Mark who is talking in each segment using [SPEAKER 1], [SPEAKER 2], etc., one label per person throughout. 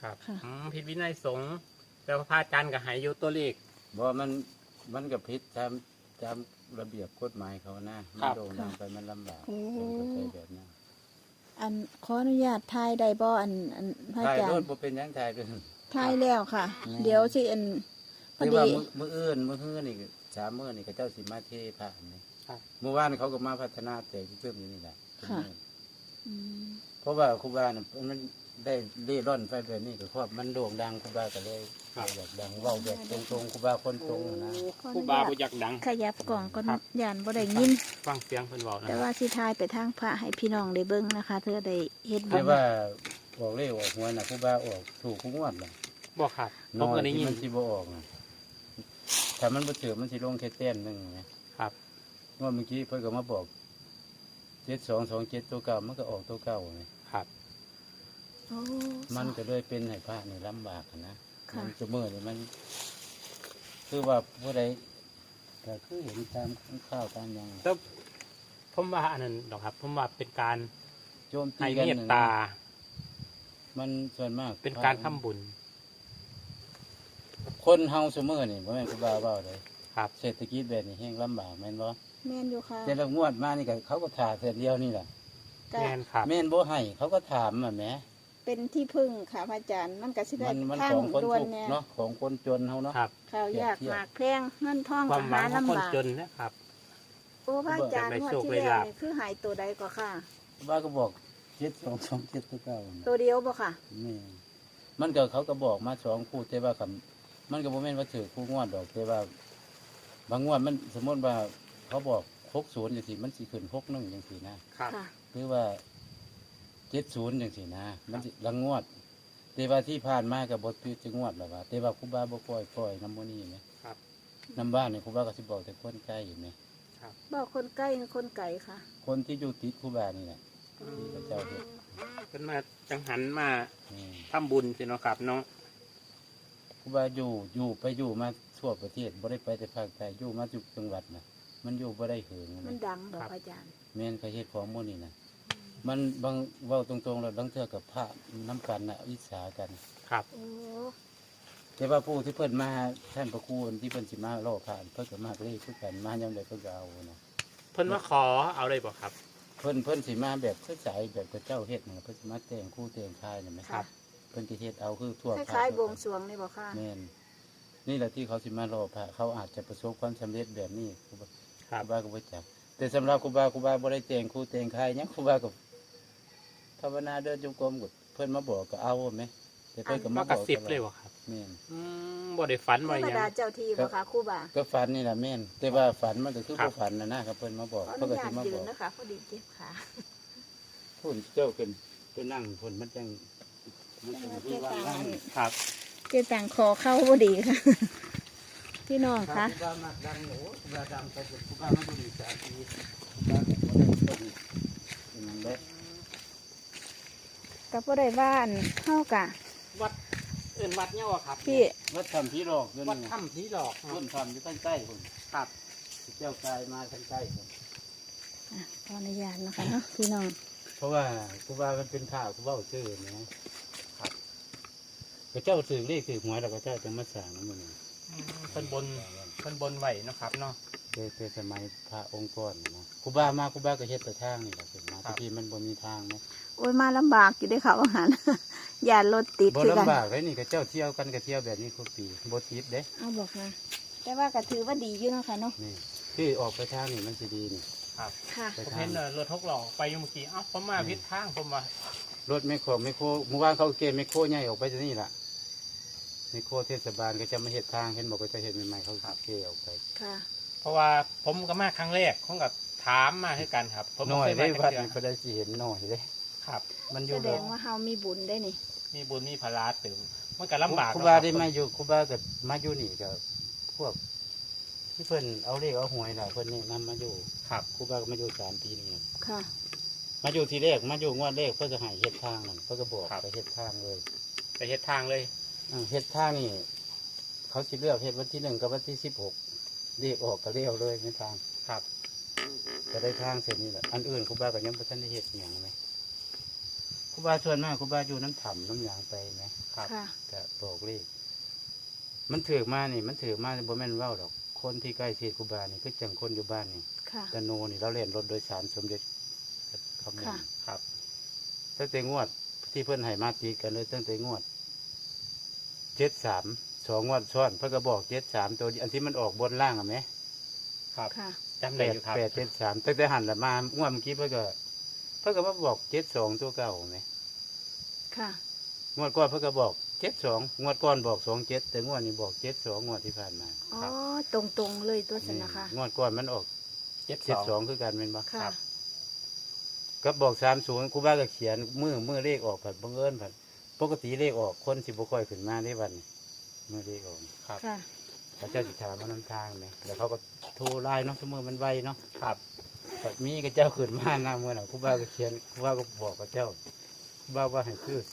[SPEAKER 1] ครับผิดวินัยสงฆ์แต่ว่าพระอาจารย์ก็ให้อยู่ตัวเลข
[SPEAKER 2] บ่มันก็ผิดตามระเบียบกฎหมายเขานะมันโด่งดังไปมันลำบากผมก็ใช้แบบนั้น
[SPEAKER 3] อันขออนุญาตทายได้บ่อันพระอาจารย์
[SPEAKER 2] ถ่ายรถบ่เป็นหยังถ่ายด้วย
[SPEAKER 3] ทายแล้วค่ะ เดี๋ยวสิอันพอ
[SPEAKER 2] คือ
[SPEAKER 3] ดี
[SPEAKER 2] ว่ามื้ออื่นนี่3 มื้อนี่ก็เจ้าสิมาเทพระนี่เมื่อวานเขาก็มาพัฒนาแต่เพิ่มอยู่นี่แหละ
[SPEAKER 3] ค่ะ
[SPEAKER 2] เพราะว่าครูบาเนี่ยมันได้เล่ร่อนไปแบบนี้ก็ครอบมันโด่งดังครูบาก็เลยแบบดังเว้าแบบตรงๆครูบาคนตรงนะ
[SPEAKER 1] ครูบาบ่อยากดัง
[SPEAKER 3] ขยับกล่องก็ย่านบ่ได้ยิน
[SPEAKER 1] ฟังเสียงเพิ่นเว้านะ
[SPEAKER 3] แต่ว่าสิทายไปทางพระให้พี่น้องได้เบิ่งนะคะเธอได้เฮ็ดบุญ
[SPEAKER 2] แต่ว่าออกเลขออกหวยน่ะครูบาออกถูกทุกงวดน่ะ
[SPEAKER 1] บ่ครับผมก็ได้ยิน
[SPEAKER 2] มันสิบ่ออกน่ะถ้ามันบ่ถือมันสิลงแค่แต้มนึงนะครับงวดเมื่อกี้เพิ่นก็มาบอก7227ตัวเก่ามันก็ออกตัวเก่าไง
[SPEAKER 1] ครับ
[SPEAKER 2] มันก็เลยเป็นให้พระนี่ลำบากนะมันจะมือนี่มันคือว่าผู้ใดก็คือเห็นตามข้าวตามอย่าง
[SPEAKER 1] แต่ผมว่าอันนั้นดอกครับผมว่าเป็นการ
[SPEAKER 2] โจมตี
[SPEAKER 1] ให้
[SPEAKER 2] กัน
[SPEAKER 1] เมตตา
[SPEAKER 2] มันส่วนมาก
[SPEAKER 1] เป็นการทำบุญ
[SPEAKER 2] คนเฮาเสมอนี่บ่แม่นครูบาเว้าเลย
[SPEAKER 1] ครับ
[SPEAKER 2] เศรษฐกิจแบบนี้แห้งลำบากแม่นบ่
[SPEAKER 3] แม่นอยู่ค่ะ
[SPEAKER 2] แต่ละงวดมานี่ก็เขาก็ถ่าเทื่อเดียวนี่แหละ
[SPEAKER 1] แม่นครับ
[SPEAKER 2] แม่นบ่ให้เขาก็ถามอ่ะแหม
[SPEAKER 3] เป็นที่พึ่งค่ะพระอาจารย์มันก็สิได้
[SPEAKER 2] มัน
[SPEAKER 3] ทาง
[SPEAKER 2] ของคน
[SPEAKER 3] ด่วน
[SPEAKER 2] ทุกข์
[SPEAKER 3] เนี่ย
[SPEAKER 2] เนาะของคนจนเฮาเนาะ
[SPEAKER 1] ครับ
[SPEAKER 3] ข้าวยากหมากแพงเงินทอง
[SPEAKER 1] ความหวังของคนจนนะครับ
[SPEAKER 3] โอ้พระอาจารย์งวดที่แล้วนี่คือหายตัวใดก็ค่ะ
[SPEAKER 2] บ้าก็บอก7227ตัวเก่า
[SPEAKER 3] ตัวเดียวบ่ค่ะ
[SPEAKER 2] นี่มันก็เขาก็บอกมา2คู่แต่ว่าคำมันก็บ่แม่นว่าถือคู่งวดดอกแต่ว่าบางงวดมันสมมติว่าเขาบอก60จังซี่มันสิขึ้น61จังซี่นะครับหรือว่า70จังซี่นะมันสิละงวดแต่ว่าที่ผ่านมาก็บ่ถือจะงวดแล้วว่าแต่ว่าครูบาบ่ปล่อยนำบ่นี้แหม
[SPEAKER 1] ครับ
[SPEAKER 2] นำบ้านนี่ครูบาก็สิบอกแต่คนใกล้อยู่แหม
[SPEAKER 1] ครับ
[SPEAKER 3] บอกคนใกล้คนไกลค่ะ
[SPEAKER 2] คนที่อยู่ติดครูบานี่แหละที่พระเจ้าเฮ็ด
[SPEAKER 1] เพิ่นมาจังหันมาทำบุญสิเนาะครับเนาะ
[SPEAKER 2] ครูบาอยู่มาทั่วประเทศบ่ได้ไปแต่ภาคใต้อยู่มาทุกจังหวัดน่ะมันอยู่บ่ได้เหิง
[SPEAKER 3] มันดังบ่อาจารย์
[SPEAKER 2] แม่นก็เฮ็ดของหมู่นี่น่ะมันบางเว้าตรงๆแล้วบางเทื่อกับพระน้ำกันน่ะอิจฉากัน
[SPEAKER 1] ครับ
[SPEAKER 2] แต่ว่าผู้ที่เพิ่นมาท่านพระครูที่เพิ่นสิมาล่อผ่านเพิ่นก็มากเลยคือกันมายามใดเพิ่นก็เอานะ
[SPEAKER 1] เพิ่นมาขอเอาเลยบ่ครับ
[SPEAKER 2] เพิ่นสิมาแบบคือสายแบบพระเจ้าเฮ็ดน่ะเพิ่นสิมาแต่งคู่แต่งชายน่ะแม่
[SPEAKER 1] ครับ
[SPEAKER 2] เพิ่นสิเฮ็ดเอาคือทั่ว
[SPEAKER 3] คล้ายๆบวงสรวงนี่บ่ค่ะ
[SPEAKER 2] แม่นนี่แหละที่เขาสิมาล่อพระเขาอาจจะประสบความสำเร็จแบบนี้ครูบาก็บ่จักแต่สำหรับครูบาบ่ได้แต่งคู่แต่งชายหยังครูบาก็ภาวนาเดินจงกรมก็เพิ่นมาบอกก็เอาแม่แต่เพิ่นก็
[SPEAKER 1] มากระซิบเลยบ่ครับ
[SPEAKER 2] แม่น
[SPEAKER 1] บ่ได้ฝันบ่
[SPEAKER 3] หยังธรรมดาเจ้าที่บ่ค่ะครูบา
[SPEAKER 2] ก็ฝันนี่แหละแม่นแต่ว่าฝันมันก็คือบ่ฝันนะครับเพิ่นมาบอก
[SPEAKER 3] เพิ่นก็สิมาบอกนะคะพอดีเจ็บขา
[SPEAKER 2] พุ่นเจ้าเป็นไปนั่งพุ่นมันจัง
[SPEAKER 1] ครับ
[SPEAKER 3] เจ็บต่างคอเข้าบ่ดีค่ะพี่น้องคะ
[SPEAKER 2] ครูบามักดังโหครูบาดังไปครูบามาอยู่นี่3 ปีครูบาก็บ่ได้ต้นเป็นหยังเด้
[SPEAKER 3] ก็บ่ได้บ้านเฮากะ
[SPEAKER 1] วัดวัดเนี่ยว่ครับ
[SPEAKER 3] พี่
[SPEAKER 2] วัดถ้ำผีหลอก
[SPEAKER 1] วัดถ้ำผีหลอก
[SPEAKER 2] ต้นถ้ำอยู่ใต้ๆพุ่น
[SPEAKER 1] ครับ
[SPEAKER 2] เจ้ากายมาทางใต้พุ่น
[SPEAKER 3] ขออนุญาตนะคะเนาะพี่น้อง
[SPEAKER 2] เพราะว่าครูบามันเป็นข่าวครูบาชื่อนะครับพระเจ้าสื่อเลขสื่อหวยแล้วก็เจ้าจะมาสั่งนั่นมัน
[SPEAKER 1] เพิ่นบนไหวนะครับเนาะ
[SPEAKER 2] เป็นสมัยพระองค์ก่อนนะครูบามาครูบาก็เฮ็ดแต่ทางนี่แหละถึงมาที่มันบ่มีทางนะ
[SPEAKER 3] โอ้ยมาลำบากอยู่ด้วยค่ะว่าหันอย่ารถติด
[SPEAKER 2] คือกันบ่ลำบากเลยนี่ก็เจ้าเที่ยวกันก็เที่ยวแบบนี้ทุกปีบ่ติดเด้
[SPEAKER 3] เอาบอกนะแต่ว่าก็ถือว่าดีอยู่เนาะค่ะเนาะ
[SPEAKER 2] นี่ที่ออกไปทางนี่มันสิดีนี่
[SPEAKER 1] ครับค่ะผมเห็นรถ6 ล้อไปอยู่เมื่อกี้ผมมาผิดทางผมว่
[SPEAKER 2] ารถไมโครเมื่อวานเขาเกณฑ์ไมโครใหญ่ออกไปที่นี่ล่ะไมโครเทศบาลก็จะมาเฮ็ดทางเห็นบอกว่าจะเฮ็ดใหม่ๆเขาเกณฑ์ออกไป
[SPEAKER 3] ค่ะ
[SPEAKER 1] เพราะว่าผมก็มาครั้งแรกผมก็ถามมาคือกันครับผม
[SPEAKER 2] น้อยได้วัดนี่ก็ได้สิเห็นน้อยเด้
[SPEAKER 1] ครับ
[SPEAKER 2] มันอยู่
[SPEAKER 3] แสดงว่าเฮามีบุญได้นี่
[SPEAKER 1] มีบุญมีภาระตึงมันก็ลำบาก
[SPEAKER 2] ครูบาได้มาอยู่ครูบาก็มาอยู่นี่ก็พวกที่เพิ่นเอาเลขเอาหวยล่ะเพิ่นนี่นำมาอยู่
[SPEAKER 1] ครับ
[SPEAKER 2] ครูบาก็มาอยู่3 ปีนี่
[SPEAKER 3] ค่ะ
[SPEAKER 2] มาอยู่ทีแรกมาอยู่งวดแรกเพิ่นก็ให้เฮ็ดทางนั่นเพิ่นก็บอกไปเฮ็ดทางเลย
[SPEAKER 1] ไปเฮ็ดทางเลย
[SPEAKER 2] เฮ็ดทางนี่เขาสิเลือกเฮ็ดวันที่1กับวันที่16เลขออกก็เลี้ยวเลยในทาง
[SPEAKER 1] ครับ
[SPEAKER 2] ก็ได้ทางเสร็จนี่แหละอันอื่นครูบาก็ยังบ่ทันได้เฮ็ดหยังมั้ยครูบาส่วนมากครูบาอยู่น้ำถ้ำน้ำหยางไปมั้ย
[SPEAKER 1] ครับ
[SPEAKER 3] ค่ะ
[SPEAKER 2] ก็บอกเลขมันถือมานี่มันถือมาบ่แม่นเว้าดอกคนที่ใกล้ชิดครูบานี่คือจังคนอยู่บ้านนี่
[SPEAKER 3] ค่ะ
[SPEAKER 2] ตะโนนี่เราเล่นรถโดยสารสมเด็จคำนว
[SPEAKER 3] ค่ะ
[SPEAKER 2] ณ
[SPEAKER 1] ครับ
[SPEAKER 2] ตั้งแต่งวดที่เพิ่นให้มาตีกันเลยตั้งแต่งวด73 2งวดซ้อนเพิ่นก็บอก73ตัวอันที่มันออกบนล่างอ่ะแหม
[SPEAKER 1] ครับ
[SPEAKER 3] ค่ะ
[SPEAKER 1] จำได้อยู่ครับ
[SPEAKER 2] 873ตั้งแต่หันละมางวดเมื่อกี้เพิ่นก็มาบอก72ตัวเก่าแหม
[SPEAKER 3] ค่ะ
[SPEAKER 2] งวดก่อนเพิ่นก็บอก72งวดก่อนบอก27แต่งวดนี้บอก72งวดที่ผ่านมา
[SPEAKER 3] อ๋อ ตรงๆเลยตัวสนะคะ
[SPEAKER 2] งวดก่อนมันออก
[SPEAKER 1] 72
[SPEAKER 2] 72คือกันแม่นบ่
[SPEAKER 3] ค่ะ
[SPEAKER 2] ก็บอก30ครูบาก็เขียนมือเลขออกผัดบังเอิญผัดปกติเลขออกคนสิบ่ค่อยขึ้นมาได้วันนี้มือเลขออก
[SPEAKER 1] ครับ
[SPEAKER 3] ค่ะ
[SPEAKER 2] พระเจ้าสิถามว่านำทางไหมแล้วเขาก็โทรไลน์เนาะสมมือมันไวเนาะ
[SPEAKER 1] ครับ
[SPEAKER 2] แบบมีกับเจ้าขึ้นมาหน้ามือน่ะครูบาก็เขียนครูบาก็บอกกับเจ้าครูบาว่าให้ซื้อ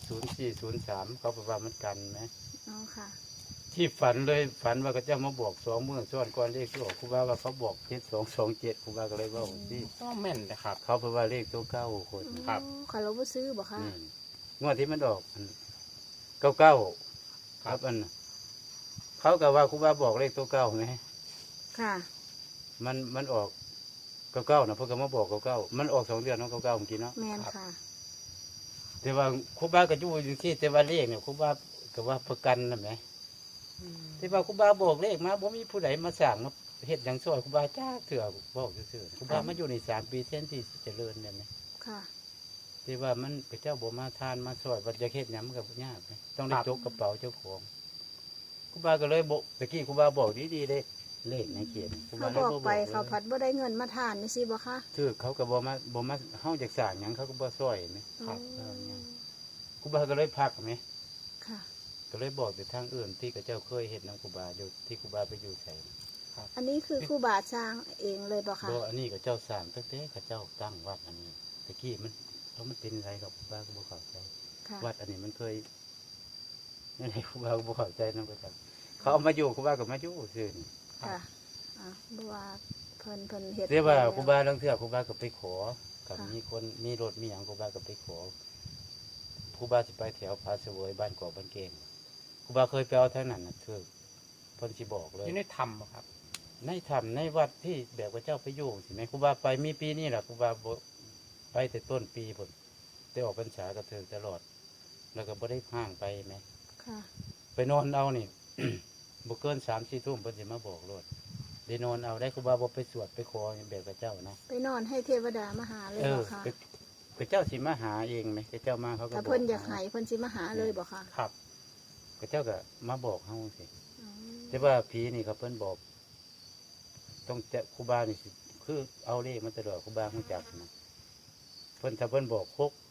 [SPEAKER 2] 0403เขาบอกว่ามันกันไหม
[SPEAKER 3] อ๋อ ค่ะ
[SPEAKER 2] ที่ฝันเลยฝันว่ากับเจ้ามาบอก2 มื้อซ้อนก่อนเลขที่ออกครูบาว่าเขาบอก7227ครูบาก็เลยว่าที่
[SPEAKER 1] ก็แม่นนะครับ
[SPEAKER 2] เขาเพราะว่าเลขตัวเก้าคน
[SPEAKER 1] ครับ
[SPEAKER 3] อ๋อค่ะเราบ่ซื้อบ่ค่ะ
[SPEAKER 2] นี่งวดที่มันออกเก้าครับอันเขาก็ว่าครูบาบอกเลขตัวเก้าไหม
[SPEAKER 3] ค่ะ
[SPEAKER 2] มันออกเก้านะเพื่อก็มาบอกเก้ามันออก2 เดือนเนาะเก้าเมื่อกี้เนาะ
[SPEAKER 3] แมนค่ะ
[SPEAKER 2] แต่ว่าครูบาก็อยู่อยู่ที่แต่ว่าเลขเนี่ยครูบาก็ว่าประกันนะไหมแต่ว่าครูบาบอกเลขมาบ่มีผู้ใดมาสั่งมาเฮ็ดหยังช่วยครูบาจ้าเถื่อบอกซื่อๆครูบามาอยู่ใน3 ปีเส้นที่เจริญเนี่ยไหม
[SPEAKER 3] ค่ะ
[SPEAKER 2] ที่ว่ามันพระเจ้าบ่มาทานมาช่วยวัดจะเฮ็ดหยังมันก็ยากไหมต้องได้จกกระเป๋าเจ้าของครูบาก็เลยบอกตะกี้ครูบาบอกดีๆเลยเลขในเขียนครู
[SPEAKER 3] เขา
[SPEAKER 2] บาเลย
[SPEAKER 3] บอกไปเขาพัดบ่ได้เงินมาทานนี่สิบ่คะ
[SPEAKER 2] คือเขาก็บ่มาเฮาจากสร้างหยังเขาก็บ่ช่วยไหม
[SPEAKER 1] ครับ
[SPEAKER 3] อ๋อ
[SPEAKER 2] ครูบาก็เลยพักไหม
[SPEAKER 3] ค่ะ
[SPEAKER 2] ก็เลยบอกแต่ทางอื่นที่กับเจ้าเคยเฮ็ดนํครูบาอยู่ที่ครูบาไปอยู่ไส
[SPEAKER 3] อันนี้คือครูบาสร้างเองเลยบ่คะ
[SPEAKER 2] บ่อันนี้กับเจ้าสร้างตั้งแต่กับเจ้าตั้งวัดอันนี้ตะกี้มันเป็นไรกับครูบาก็บ่เข้าใจ
[SPEAKER 3] ค่ะ
[SPEAKER 2] วัดอันนี้มันเคยนั่นแหละครูบาก็บ่เข้าใจนำก็จังเขาเอามาอยู่ครูบาก็มาอยู่ซื่อนี่
[SPEAKER 3] ค่ะอ่ะบ่ว่าเพิ่นเฮ็ด
[SPEAKER 2] เรียกว่า
[SPEAKER 3] แล้ว
[SPEAKER 2] ครูบาลังเทื่อครูบาก็ไปขอกับ
[SPEAKER 3] ค่ะ
[SPEAKER 2] มีคนมีรถมีหยังครูบาก็ไปขอครูบาสิไปแถวผาเสวยบ้านกอกบ้านเกงครูบาเคยไปเอาทางนั้นน่ะคือเพิ่นสิบอกเลย
[SPEAKER 1] อยู่ในธรรมอะครับ
[SPEAKER 2] ในถ้ำในวัดที่แบบว่าเจ้าไปอยู่สิแม่ครูบาไปมีปีนี้ล่ะครูบาบ่ไปแต่ต้นปีพุ่นได้ออกพรรษากับเธอตลอด แล้วก็บ่ได้ห่างไปแม่
[SPEAKER 3] ค่ะ
[SPEAKER 2] ไปนอนเอานี่ บ่เกิน3-4 ทุ่มเพิ่นสิมาบอกโลดได้นอนเอาได้ครูบาบ่ไปสวดไปขอแบบกับเจ้านะ
[SPEAKER 3] ไปนอนให้เทวดามาหาเลยบ่คะ
[SPEAKER 2] พระเจ้าสิมาหาเองไหมพระเจ้ามาเขาก็
[SPEAKER 3] ถ้า
[SPEAKER 2] บอก
[SPEAKER 3] เพิ่นอยากให้เพิ่นสิมาหาเลยบ่คะ
[SPEAKER 1] ครับ
[SPEAKER 2] พระเจ้าก็มาบอกเขาสิ
[SPEAKER 3] อ๋อ
[SPEAKER 2] แต่ว่าผีนี่ครับเพิ่นบอก ต้องจะครูบานี่สิคือเอาเลขมาตลอดครูบารู้จักนะเพิ่นถ้าเพิ่นบอก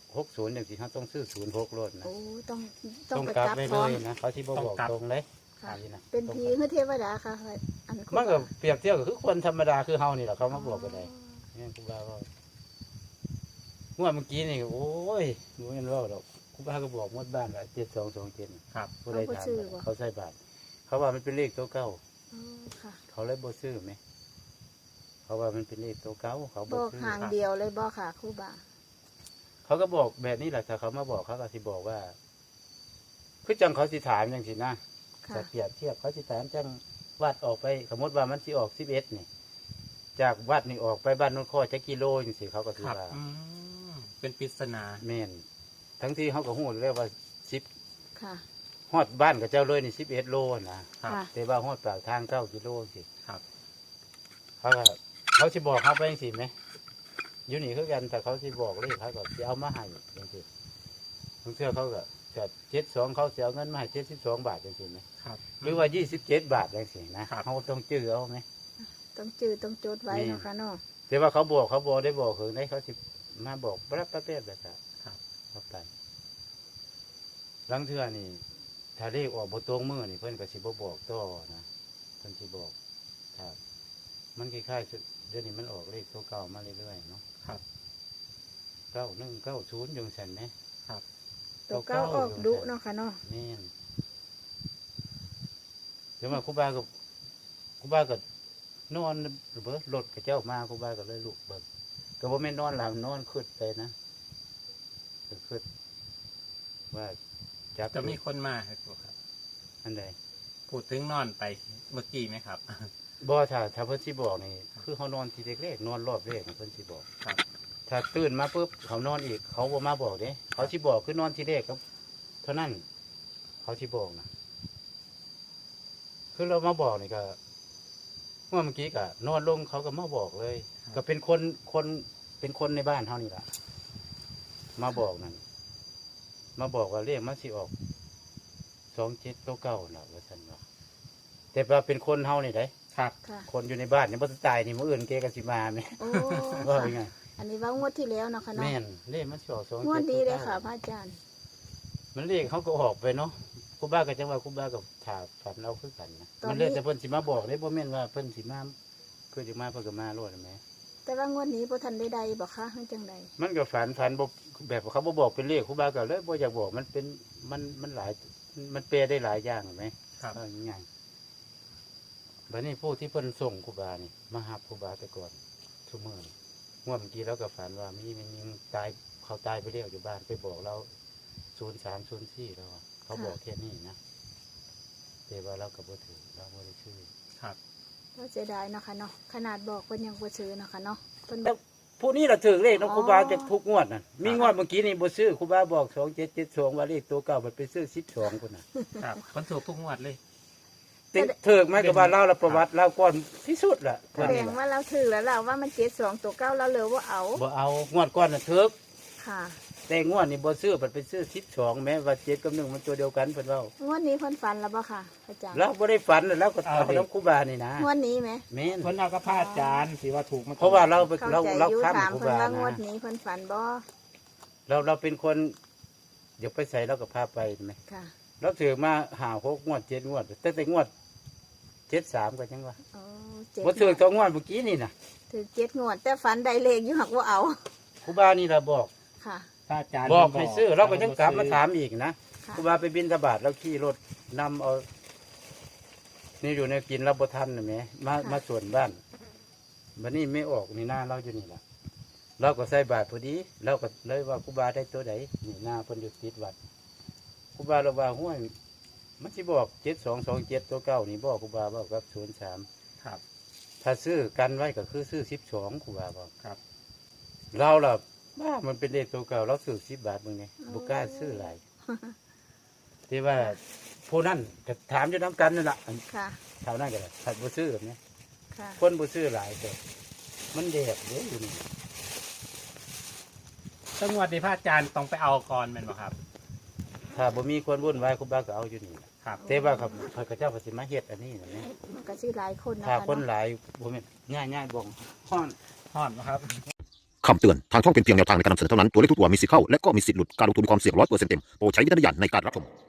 [SPEAKER 2] 60อย่างสิเขาต้องซื้อ06โลดนะ
[SPEAKER 3] โอ้ต้อง
[SPEAKER 2] ต้อง
[SPEAKER 3] ไป
[SPEAKER 2] กลับ
[SPEAKER 3] กลับ
[SPEAKER 2] ไว้
[SPEAKER 3] พ
[SPEAKER 2] เล
[SPEAKER 3] ร้อม
[SPEAKER 2] ยนะเขาที่บ่บอกตรงเลย
[SPEAKER 3] ค่ะ
[SPEAKER 2] อันนี้นะ
[SPEAKER 3] เป็นผีคือเทวดาค่ะอันครู
[SPEAKER 2] มันก็
[SPEAKER 3] บา
[SPEAKER 2] เปรียบเทียบกับคือคนธรรมดาคือเฮานี่แหละเขามาบอกกันได้นี่ครูบาก็งวดเมื่อกี้นี่โอ้ยบ่แม่นเว้าดอกครูบาก็บอกหมดบ้านว่า7227
[SPEAKER 1] ครับ
[SPEAKER 2] ผู้ใดถามเขาใส่บาทเขาว่ามันเป็นเลขตัวเก่า
[SPEAKER 3] อ๋อค่ะ
[SPEAKER 2] เขาเลยบ่ซื้อไหมเขาว่ามันเป็นเลขตัวเก่าเขา
[SPEAKER 3] บ
[SPEAKER 2] บ่
[SPEAKER 3] อก
[SPEAKER 2] ซื้อ
[SPEAKER 3] หางเดียวเลยบ่ค่ะครูบา
[SPEAKER 2] เขาก็บอกแบบนี้แหละถ้าเขามาบอกเขาก็สิบอกว่าคือจังเขาสิถามจังสินะ
[SPEAKER 3] ค่ะ
[SPEAKER 2] จะเปรียบเทียบเขาสิถามจังวัดออกไปสมมติว่ามันสิออก11นี่ จากวัดนี่ออกไปบ้านโนนข้อจักกิโลจังสิเขาก็สิ
[SPEAKER 1] ครับ
[SPEAKER 2] ว่า
[SPEAKER 1] เป็นปริศนา
[SPEAKER 2] แม่นทั้งที่เขาก็ฮู้แล้วว่า10
[SPEAKER 3] ค่ะ
[SPEAKER 2] ฮอดบ้านกับเจ้าเลยนี่11 โลนะ
[SPEAKER 1] ครับ
[SPEAKER 3] ค่ะ
[SPEAKER 2] แต่ว่าฮอดปากทาง9 กิโลสิ
[SPEAKER 1] ครับ
[SPEAKER 2] เขาก็เขาสิบอกเขาไปสิไหมอยู่นี่คือกันแต่เขาสิบอกเลยเขาก็จะเอามาให้จังสิบางเทื่อเขาก็จะ72เขาจะเอาเงินมาให้72 บาทจังสิไหม
[SPEAKER 1] ครับ
[SPEAKER 2] หรือว่า27 บาทจังสินะครับ เขาต้องจื้อเอาไหม
[SPEAKER 3] ต้องจื้อต้องจดไว้
[SPEAKER 2] นี่
[SPEAKER 3] เนาะค่ะเนาะ
[SPEAKER 2] แต่ว่าเขาบอกได้บอกถึงได้เขาสิมาบอกรับประเภทแบบนั้น
[SPEAKER 1] ครับ
[SPEAKER 2] เข้าไปหลังเทื่อนี่ถ้าเลขออกบ่ตรงมือนี่เพิ่นก็สิบ่บอกต่อนะเพิ่นสิบอกครับมันคล้ายๆเดี๋ยวนี้มันออกเลขตัวเก่ามาเรื่อยๆเนาะ
[SPEAKER 1] ครับ
[SPEAKER 2] 9190จังซั่นแหม
[SPEAKER 1] ครับ
[SPEAKER 3] ตัวเก้าออกดุเนาะค่ะเนาะ
[SPEAKER 2] แม่นเดี๋ยวมาครูบาก็นอนเบิดรถกับเจ้ามาครูบาก็เลยลุกเบิกก็บ่แม่นนอนหลับนอนขึ้นไปนะก็ขึ้นว่าจับ
[SPEAKER 1] จะมีคนมาครับครูครับ
[SPEAKER 2] อันใด
[SPEAKER 1] พูดถึงนอนไปเมื่อกี้ไหมครับ
[SPEAKER 2] บ่ถ้าเพิ่นสิบอกนี่คือเขานอนทีแรกๆนอนรอบแรกนี่เพิ่นสิบอก
[SPEAKER 1] ครับ
[SPEAKER 2] ถ้าตื่นมาปุ๊บเขานอนอีกเขาบ่มาบอกเด้เขาสิบอกคือนอนทีแรกครับเท่านั้นเขาสิบอกนะคือเรามาบอกนี่ก็เมื่อกี้ก็นอนลงเขาก็มาบอกเลย ก็เป็นคนในบ้านเท่านี้ล่ะมาบอกนั่นมาบอกว่าเลขมันสิออก2799น่ะว่าซั่นว่าแต่ว่าเป็นคนเฮานี่ได้
[SPEAKER 1] ครับ
[SPEAKER 3] ค่ะ
[SPEAKER 2] คนอยู่ในบ้านนี่บ่ตายนี่มื้ออื่นเกก็สิมาแม่
[SPEAKER 3] โอ้
[SPEAKER 2] ว่า
[SPEAKER 3] ค่ะ
[SPEAKER 2] เป็นไง
[SPEAKER 3] อันนี้ว่างวดที่แล้วเนาะค่ะเนาะ
[SPEAKER 2] แม่นเลขมันสิออก2799
[SPEAKER 3] งวดดีเลยค่ะพระอาจารย์
[SPEAKER 2] มันเลขเขาก็ออกไปเนาะครูบาก็จังว่าครูบากับถาฝันเราคือกันนะ
[SPEAKER 3] ตอนนี้
[SPEAKER 2] มันเลยแต่เพิ่นสิมาบอกเด้บ่แม่นว่าเพิ่นสิมาคือสิมาเพิ่นก็มาโลดแหม
[SPEAKER 3] แต่ว่างวดนี้บ่ทันได้ใดบอกค่ะมันจังใด
[SPEAKER 2] มันก็ฝันบ่แบบเขาบ่บอกเป็นเลขครูบาก็เลยบ่อยากบอกมันเป็นมันหลายมันแปลได้หลายอย่างเห็นไหม
[SPEAKER 1] ครับ
[SPEAKER 2] ง่ายๆบัดนี้ผู้ที่เพิ่นส่งครูบานี่มาหาครูบาแต่ก่อนซุมื้อนี่งวดเมื่อกี้เราก็ฝันว่ามีมันยิงตายเขาตายไปแล้วอยู่บ้านไปบอกเรา0304แล้วอะเขาบอกแค่นี้นะแต่ว่าเราก็บ่ถือเราบ่ได้ชื่อ
[SPEAKER 1] ครับ
[SPEAKER 3] ว่าเสียดายเนาะค่ะเนาะขนาดบอกเพิ่นยังบ่ซื้อเนาะค่ะเนาะเพิ่นบ
[SPEAKER 2] แล้
[SPEAKER 3] อ
[SPEAKER 2] ว
[SPEAKER 3] ก
[SPEAKER 2] ผู้นี้เราถือเลขน้อง
[SPEAKER 3] อ๋อ
[SPEAKER 2] ครูบาจะทุกงวดน่ะมีงวดเมื่อกี้นี่บ่ซื้อครูบาบอก2772ว่าเลขตัวเก่ามันไปซื้อ12พุ่นน่ะ
[SPEAKER 1] ครับคนถูกทุกงวดเลย
[SPEAKER 2] ติเถิกไหมกับว่าเล่าละประวัติเล่าก่อนที่สุดล่ะ
[SPEAKER 3] แสดงว่าเราถือแล้วเราว่ามัน72ตัวเก้าเราเหลือว่าเอา
[SPEAKER 2] บ่เอางวดก่อนน่ะเถิก
[SPEAKER 3] ค่ะ
[SPEAKER 2] แต่งวดนี่บ่ซื้อมันไปซื้อ12แม้ว่า7กับ1มันตัวเดียวกันเพิ่นเว้าง
[SPEAKER 3] วดนี้เพิ่นฝันแล้วบ่ค่ะอาจารย์
[SPEAKER 2] เราบ่ได้ฝันแล้วเราก็เอาน้องครูบานี่นะ
[SPEAKER 3] งวดนี้ไหม
[SPEAKER 2] แม่น
[SPEAKER 1] คนเอากระพาอาจารย์สิว่าถูกมา
[SPEAKER 2] เพราะว่าเราไป
[SPEAKER 3] เข้า
[SPEAKER 2] เรา
[SPEAKER 3] ใจ
[SPEAKER 2] เรา
[SPEAKER 3] อยู่
[SPEAKER 2] ค้ำ
[SPEAKER 3] ถาม
[SPEAKER 2] ครู
[SPEAKER 3] เพิ่น
[SPEAKER 2] บา
[SPEAKER 3] ว่างวด
[SPEAKER 2] นะ
[SPEAKER 3] นี้เพิ่นฝันบ่
[SPEAKER 2] เราเป็นคนเดี๋ยวไปใส่เราก็พาไปเห็นไหม
[SPEAKER 3] ค่ะ
[SPEAKER 2] เราถือมา5-6งวด7งวดแต่งวด73ก็จังว่า
[SPEAKER 3] โอ้เจ็ด
[SPEAKER 2] บ่ถือตัวงวดเมื่อกี้นี่น่ะ
[SPEAKER 3] ถือ7งวด แต่ฝันได้เลขอยู่หักว่าเอา
[SPEAKER 2] ครูบานี่เราบอก
[SPEAKER 3] ค่ะ
[SPEAKER 1] ถ้าอาจารย์
[SPEAKER 2] บอกให้ซื้อเราก็ยังกลับมาถามอีกนะ
[SPEAKER 3] ค่ะ
[SPEAKER 2] ครูบาไปบินทบาทแล้วขี่รถนำเอานี่อยู่ในกินเราบ่ทันนะแหมมาส่วนบ้านบัดนี้ไม่ออกนี่หน้าเราอยู่นี่ล่ะเราก็ใส่บาทพอดีเราก็เลยว่าครูบาได้ตัวใดนี่หน้าเพิ่นอยู่ติดวัดครูบาเราว่าห้วยมันสิบอก7227ตัวเก่านี่บอกครูบาบอกกับ03
[SPEAKER 1] ครับ
[SPEAKER 2] ถ้าซื้อกันไว้ก็คือซื้อ12ครูบาบอก
[SPEAKER 1] ครับ
[SPEAKER 2] เราล่ะว่ามันเป็นเลขตัวเก่าเราซื้อ10 บาทมึงไงบุกล้าซื้อหลายที่ว่าผู้นั้นก็ถามอยู่น้ำกันนั่นแหละ
[SPEAKER 3] ค่ะ
[SPEAKER 2] แถวนั้นก็ได้ถัดบุซื้อแบบนี้
[SPEAKER 3] ค่ะ
[SPEAKER 2] คนบุซื้อหลายแต่มันแดดเยอะอยู่นี่
[SPEAKER 1] ถ้างวดนี้พระอาจารย์ต้องไปเอาก่อนแม่นบ่ครับ
[SPEAKER 2] ถ้าบ่มีคนวุ่นวายครูบาก็เอาอยู่นี่
[SPEAKER 1] ครับ
[SPEAKER 2] แต่ว่าครับพระเจ้าปฏิมาเฮ็ดอันนี้นะนี่
[SPEAKER 3] มันก็สิหลายคนนะ
[SPEAKER 2] ถ้า
[SPEAKER 3] คะ
[SPEAKER 2] คน
[SPEAKER 3] เนาะ
[SPEAKER 2] หลายบ่แม่นง่ายๆบ่งฮ้อน
[SPEAKER 1] ฮอดบ่ครับ
[SPEAKER 4] คำเตือน ทางช่องเป็นเพียงแนวทางในการนำเสนอเท่านั้น ตัวเลขทุกตัวมีสิทธิ์เข้า และก็มีสิทธิ์หลุด การลงทุนมีความเสี่ยง100%เต็ม โปรดใช้วิจารณญาณในการรับชม